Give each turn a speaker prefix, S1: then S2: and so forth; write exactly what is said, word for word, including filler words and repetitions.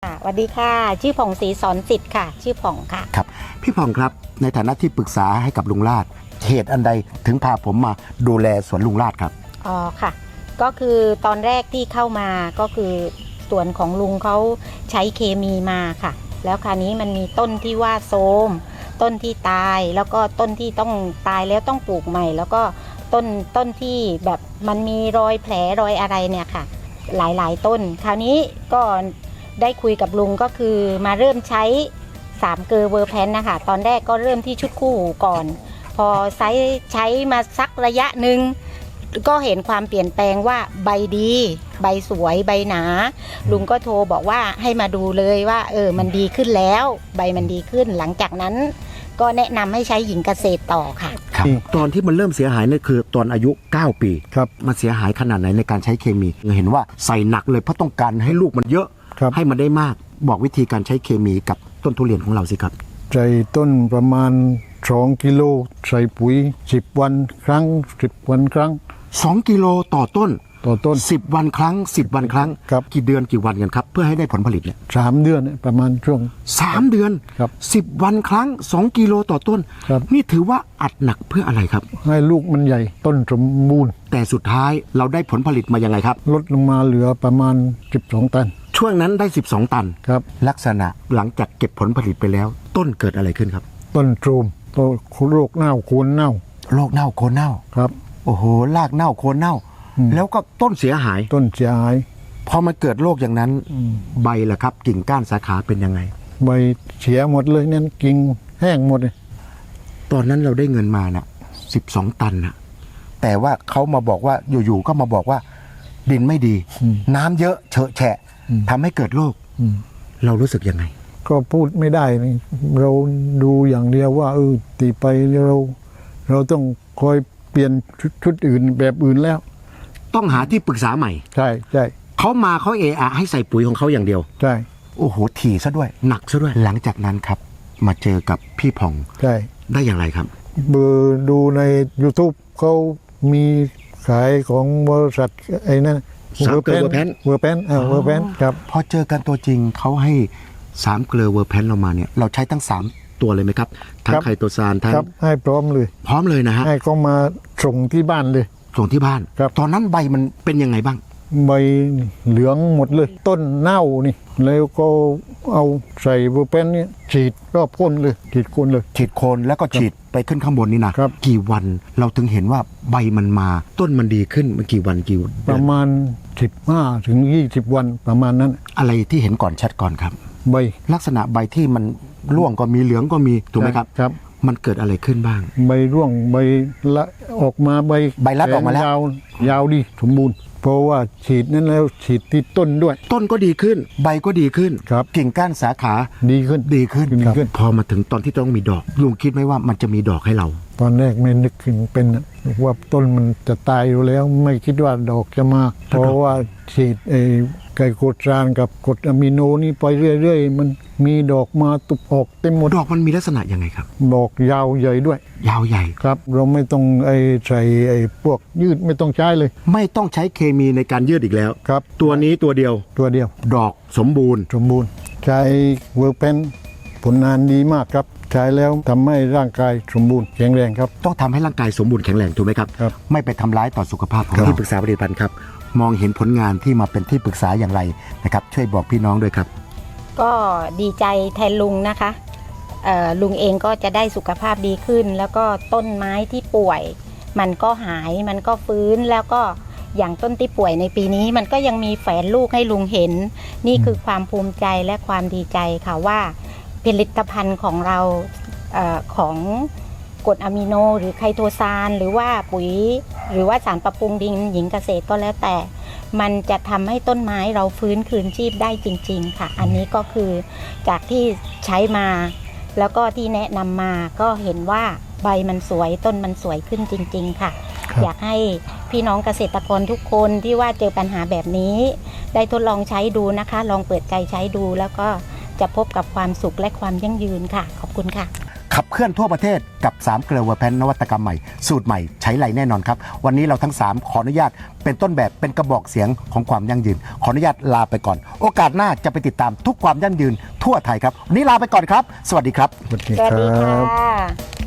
S1: สวัสดีค่ะชื่อผ่องศรีสอนสิทธิ์ค่ะชื่อผ่องค่ะ
S2: ครับพี่ผ่องครับในฐานะที่ปรึกษาให้กับลุงลาดเหตุอันใดถึงพาผมมาดูแลสวนลุงลาดครับ
S1: อ๋อค่ะก็คือตอนแรกที่เข้ามาก็คือสวนของลุงเขาใช้เคมีมาค่ะแล้วคราวนี้มันมีต้นที่ว่าโทรมต้นที่ตายแล้วก็ต้นที่ต้องตายแล้วต้องปลูกใหม่แล้วก็ต้นต้นที่แบบมันมีรอยแผลรอยอะไรเนี่ยค่ะหลายๆต้นคราวนี้ก็ได้คุยกับลุงก็คือมาเริ่มใช้สามเกลอเวอร์แพนนะคะตอนแรกก็เริ่มที่ชุดคู่หูก่อนพอใช้ใช้มาสักระยะหนึ่งก็เห็นความเปลี่ยนแปลงว่าใบดีใบสวยใบหนาลุงก็โทรบอกว่าให้มาดูเลยว่าเออมันดีขึ้นแล้วใบมันดีขึ้นหลังจากนั้นก็แนะนำให้ใช้หญิงเกษตรต่อค่ะ
S2: ครับตอนที่มันเริ่มเสียหายนี่คือตอนอายุเก้าปี
S3: ครับ
S2: มันเสียหายขนาดไหนในการใช้เคมีเห็นว่าใส่หนักเลยเพราะต้องการให้ลูกมันเยอะให้มันได้มากบอกวิธีการใช้เคมีกับต้นทุเรียนของเราสิครับ
S3: ใส่ต้นประมาณสองกิโลใส่ปุ๋ยสิบวันครั้งสิบวันครั้ง
S2: สองกิโลต่อต้น
S3: ต่อต้น
S2: สิบวันครั้งสิบวันครั้ง
S3: ครับ
S2: กี่เดือนกี่วันกันครับเพื่อให้ได้ผลผลิตเนี่ย
S3: สามเดือนประมาณช่วง
S2: สามเดือน
S3: ครับ
S2: สิบวันครั้งสองกิโลต่อต้น
S3: ครับ
S2: นี่ถือว่าอัดหนักเพื่ออะไรครับ
S3: ให้ลูกมันใหญ่ต้นสมบูรณ์
S2: แต่สุดท้ายเราได้ผลผลิตมายังไงครับ
S3: ลดลงมาเหลือประมาณสิบสองตัน
S2: ช่วงนั้นได้สิบสองตัน
S3: ครับ
S2: ลักษณะหลังจากเก็บผลผลิตไปแล้วต้นเกิดอะไรขึ้นครับ
S3: ต้นโทรมต้นโรคเน่าโคนเน่า
S2: โรคเน่าโคนเน่า
S3: ครับ
S2: โอ้โหรากเน่าโคนเน่าแล้วก็ต้นเสียหาย
S3: ต้นเสียหาย
S2: พอมันเกิดโรคอย่างนั้นใบล่ะครับกิ่งก้านสาขาเป็นยังไง
S3: ใบเสียหมดเลยนั่นกิ่งแห้งหมดเลย
S2: ตอนนั้นเราได้เงินมาน่ะสิบสองตันน่ะแต่ว่าเขามาบอกว่าอยู่ๆก็มาบอกว่าดินไม่ดีน้ำเยอะเฉอะแฉะทำให้เกิดโรคเรารู้สึกยังไง
S3: ก็พูดไม่ได้เราดูอย่างเดียวว่าเออตีไปเราเราต้องคอยเปลี่ยนชุดอื่นแบบอื่นแล้ว
S2: ต้องหาที่ปรึกษาใหม่
S3: ใช่ใช่
S2: เขามาเขาเออะให้ใส่ปุ๋ยของเขาอย่างเดียว
S3: ใช่
S2: โอ้โหถี่ซะด้วยหนักซะด้วยหลังจากนั้นครับมาเจอกับพี่ผ่อง
S3: ใช่
S2: ได้อย่างไรครับ
S3: เบอร์ดูใน YouTube เขามีขายของบริษัทไอ้นั่น
S2: สามเกลือเวอร์แพน
S3: เวอร์แพนเออเวอร์แพนครับ
S2: พอเจอกันตัวจริงเขาให้สามเกลือเวอร์แพนเรามาเนี่ยเราใช้ทั้งสามตัวเลยไหมครับทั้งไคโตซานทั้ง
S3: ให้พร้อมเลย
S2: พร้อมเลยนะฮะ
S3: ให้เขามาส่งที่บ้านเลย
S2: ส่งที่บ้าน
S3: ครับ
S2: ตอนนั้นใบมันเป็นยังไงบ้าง
S3: ใบเหลืองหมดเลยต้นเน่านี่แล้วก็เอาใส่เวอร์แพนเนี่ยฉีดรอบก้นเลยฉีดโคนเลย
S2: ฉีดโคนแล้วก็ฉีดไปขึ้นข้างบนนี่นะครับกี่วันเราถึงเห็นว่าใบมันมาต้นมันดีขึ้นมันกี่วันกี่
S3: ประมาณสิบห้าถึงยี่สิบวันประมาณนั้น
S2: อะไรที่เห็นก่อนชัดก่อนครับ
S3: ใบ
S2: ลักษณะใบที่มันร่วงก็มีเหลืองก็มีถูกไหมครับ
S3: ครับ
S2: มันเกิดอะไรขึ้นบ้าง
S3: ใบร่วงใบละออกมาใบ
S2: ใบรัดออกมาแล้ว
S3: ยาวยาวดีสมบูรณ์เพราะว่าฉีดนั้นแล้วฉีดที่ต้นด้วย
S2: ต้นก็ดีขึ้นใบก็ดีขึ้น
S3: ครับ
S2: กิ่งก้านสาขา
S3: ดีขึ้น
S2: ดีขึ้น
S3: ดีขึ้น
S2: พอมาถึงตอนที่ต้องมีดอกลุงคิดไหมว่ามันจะมีดอกให้เรา
S3: ตอนแรกไม่นึกถึงเป็นว่าต้นมันจะตายอยู่แล้วไม่คิดว่าดอกจะมาเพราะว่าฉีดไอ้ไกลโคตรานกับกรดอะมิโนนี่ไปเรื่อยๆมันมีดอกมาตุบออกเต็มหมด
S2: ดอกมันมีลักษณะยังไงครับ
S3: ดอกยาวใหญ่ด้วย
S2: ยาวใหญ่
S3: ครับเราไม่ต้องไอ้ใส่ไอ้พวกยืดไม่ต้องใช้เลย
S2: ไม่ต้องใช้เคมีในการยืดอีกแล้ว
S3: ครับ
S2: ตัวนี้ตัวเดียว
S3: ตัวเดียว
S2: ดอกสมบูรณ์
S3: สมบูรณ์ใช้เวิร์กแพนผลงานดีมากครับใช้แล้วทำให้ร่างกายสมบูรณ์แข็งแรงครับ
S2: ต้องทำให้ร่างกายสมบูรณ์แข็งแรงถูกไหมครับ
S3: ครับ
S2: ไม่ไปทำร้ายต่อสุขภาพของที่ปรึกษาผลิตภัณฑ์ครับมองเห็นผลงานที่มาเป็นที่ปรึกษาอย่างไรนะครับช่วยบอกพี่น้องด้วยครับ
S1: ก็ดีใจแทนลุงนะคะลุงเองก็จะได้สุขภาพดีขึ้นแล้วก็ต้นไม้ที่ป่วยมันก็หายมันก็ฟื้นแล้วก็อย่างต้นที่ป่วยในปีนี้มันก็ยังมีแฝนลูกให้ลุงเห็นนี่คือความภูมิใจและความดีใจค่ะว่าผลิตภัณฑ์ของเราเอ่อของกรดอะมิโนหรือไคโตซานหรือว่าปุ๋ยหรือว่าสารปรับปรุงดินหญิงเกษตรก็แล้วแต่มันจะทำให้ต้นไม้เราฟื้นคืนชีพได้จริงๆค่ะอันนี้ก็คือจากที่ใช้มาแล้วก็ที่แนะนำมาก็เห็นว่าใบมันสวยต้นมันสวยขึ้นจริงๆค่ะอยากให้พี่น้องเกษตรกรทุกคนที่ว่าเจอปัญหาแบบนี้ได้ทดลองใช้ดูนะคะลองเปิดใจใช้ดูแล้วก็จะพบกับความสุขและความยั่งยืนค่ะขอบคุณค่ะ
S2: ขับเคลื่อนทั่วประเทศกับสามเกลือเวอร์แพนนวัตกรรมใหม่สูตรใหม่ใช้ไหลแน่นอนครับวันนี้เราทั้งสามขออนุญาตเป็นต้นแบบเป็นกระบอกเสียงของความยั่งยืนขออนุญาตลาไปก่อนโอกาสหน้าจะไปติดตามทุกความยั่งยืนทั่วไทยครับวันนี้ลาไปก่อนครับสวัสดีครับ
S3: สวัสดี
S1: สวัส
S3: ค
S1: ดี
S3: รั
S1: ค่
S3: บ
S1: ะ